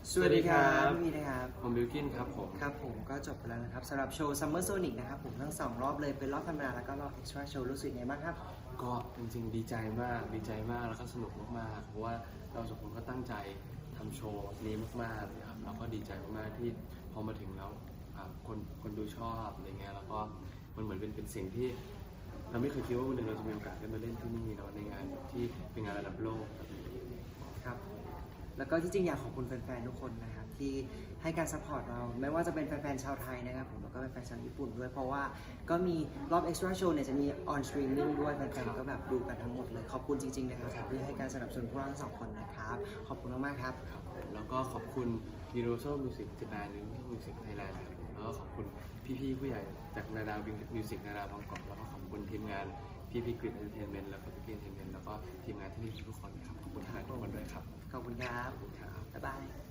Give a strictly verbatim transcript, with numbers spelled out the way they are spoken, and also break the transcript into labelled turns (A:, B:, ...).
A: สวัสดีครับพี่มีนะครับ
B: ผมบิลกินครับผม
A: ครับผมก็จบไปแล้วนะครับสำหรับโชว์ Summer Sonic นะครับผมทั้งสองรอบเลยเป็นรอบธรรมดาแล้วก็รอบ Extra Show รู้สึกไงบ้างครับ
B: ก็จริงๆดีใจมากดีใจมากแล้วก็สนุกมากๆเพราะว่าเราสองคนก็ตั้งใจทำโชว์นี้มากๆนะครับแล้วก็ดีใจมากๆที่พอมาถึงแล้วคนคนดูชอบอะไรเงี้ยแล้วก็มันเหมือนเป็นเป็นสิ่งที่เราไม่เคยคิดว่าวันหนึ่งเราจะมีโอกาสได้มาเล่นที่นี่เนาะในงานที่เป็นงานระดับโลก
A: ครับแล้วก็ที่จริงอยากขอบคุณแฟนๆทุกคนนะครับที่ให้การซัพพอร์ตเราไม่ว่าจะเป็นแฟนๆชาวไทยนะครับผมแล้วก็เป็นแฟนชาวญี่ปุ่นด้วยเพราะว่าก็มีรอบ Extra Show เนี่ยจะมี on streaming ด้วยแฟนๆก็แบบดูกันทั้งหมดเลยขอบคุณจริงๆนะครับที่ให้การสนับสนุนพวกเราทั้งสองคนนะครับขอบคุณมากๆครับ
B: ครับแล้วก็ขอบคุณ Universal Music Japan Music Thailand ครับแล้วก็ขอบคุณพี่ๆผู้ใหญ่จากนาดาวมิวสิกนาดาวบางกอกแล้วก็ขอบคุณทีมงานพี่พี่กริดเอนเตอร์เทนเมนต์แล้วก็พี่พี่เอนเตอร์เทนเมนต์แล้วก็ทีมงานที่นี่ทุกคนครับขอบคุณทางทุกคนด้วยครับ
A: ขอบคุณครับ
B: ขอบคุณครับ
A: บ๊ายบาย